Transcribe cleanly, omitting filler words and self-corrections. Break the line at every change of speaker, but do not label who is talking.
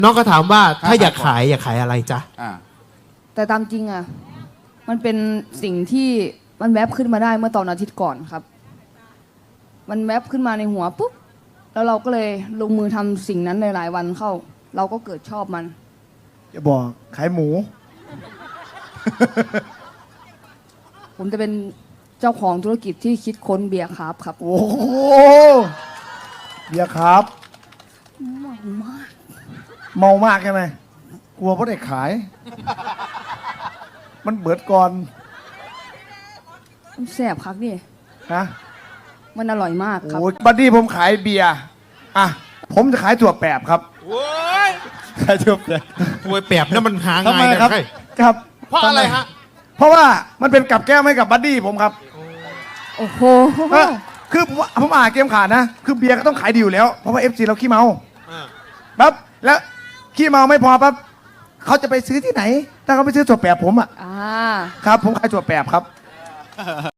น้องก็ถามว่าถ้าอยากขายอะไรจ๊ะ
แต่ตามจริงอ่ะมันเป็นสิ่งที่มันแวบขึ้นมาได้เมื่อตอนอาทิตย์ก่อนครับมันแวบขึ้นมาในหัวปุ๊บแล้วเราก็เลยลงมือทำสิ่งนั้นในหลายวันเข้าเราก็เกิดชอบมัน
จะบอกขายหมู
ผมจะเป็นเจ้าของธุรกิจที่คิดค้นเบียร์ครับ
โอ้โหเบียร์ครับ
เมามาก
เมามากใช่ไหมกลัวเพราะเด็กขาย มันเบิดก่อน
มันแซ่บครับนี่
ฮะ
มันอร่อยมากครับ
โอ้บัดดี้ผมขายเบียร์อ่ะผมจะขายถั่วแปบครับ
โอ้ย
ขายถั่วแปบ
ถั่วแปบนั่นมันหาง่าย
นะครับครับ
เพราะอะไรฮะ
เพราะว่ามันเป็นกับแก้มให้กับบัดดี้ผมครับ
โอ้โห
คือผมอ่านเกมขาดนะคือเบียร์ก็ต้องขายดีอยู่แล้วเพราะว่า FC เราขี้เมาปั๊บแล้วขี้เมาไม่พอปั๊บเขาจะไปซื้อที่ไหนถ้าเขาไปซื้อถั่วแปบผมอ่ะครับผมขายถั่วแปบครับ